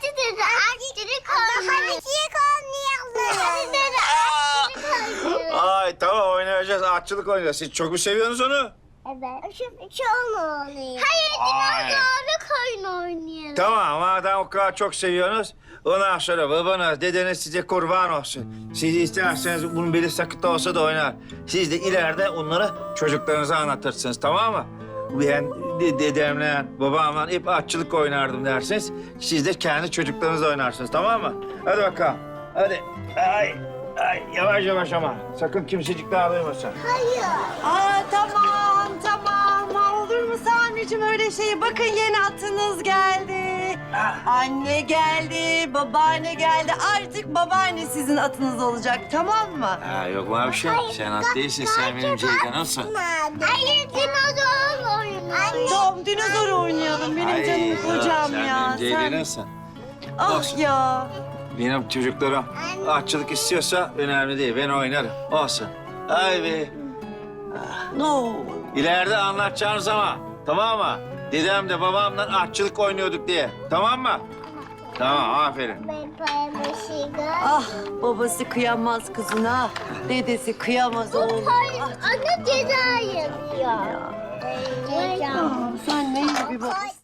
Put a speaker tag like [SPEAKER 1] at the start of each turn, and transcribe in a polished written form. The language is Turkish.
[SPEAKER 1] Hadi dede aşçılık oynayalım. Hadi dede aşçılık oynayalım.
[SPEAKER 2] Ay tamam oynayacağız. Atçılık oynayacağız. Siz çok mu seviyorsunuz onu?
[SPEAKER 1] Evet. Şu oynayalım. Hayır dinozorluk oyunu oynayalım.
[SPEAKER 2] Tamam madem o kadar çok seviyorsunuz. Ondan sonra babanız, dedeniz size kurban olsun. Siz isterseniz bunun beli sakıt olsa da oynar. Siz de ileride onları çocuklarınıza anlatırsınız tamam mı? Ben dedemle, babamla hep atçılık oynardım dersiniz. Siz de kendi çocuklarınızla oynarsınız tamam mı? Hadi bakalım. Hadi. Ay, yavaş yavaş ama. Sakın kimsecik daha duymasın.
[SPEAKER 1] Hayır.
[SPEAKER 3] Aa tamam. Olur mu Sami'cim öyle şey? Bakın yeni atınız geldi. Anne geldi, babaanne geldi. Artık babaanne sizin atınız olacak, tamam mı?
[SPEAKER 2] Ha, yok mu bir şey? Sen at değilsin, sen benim Ceylan'ımsın.
[SPEAKER 1] Hayır dinozor oyunu.
[SPEAKER 3] Tamam, dinozor oynayalım. Benim canım kocam
[SPEAKER 2] sen
[SPEAKER 3] ya.
[SPEAKER 2] benim Ceylan'ımsın.
[SPEAKER 3] Ah
[SPEAKER 2] Olsun.
[SPEAKER 3] ya.
[SPEAKER 2] Benim çocuklarım atçılık istiyorsa önemli değil. Ben oynarım. Olsun. Ay be.
[SPEAKER 3] No.
[SPEAKER 2] İleride anlatacağım zaman. Tamam mı? Dedem de babamla atçılık oynuyorduk diye. Tamam mı? Tamam, aferin.
[SPEAKER 3] Ah babası kıyamaz kızına. Dedesi kıyamaz oğluna.
[SPEAKER 1] Hayır anne ceza yapıyor. Ceza.
[SPEAKER 3] Sen ne iyi bir babasın.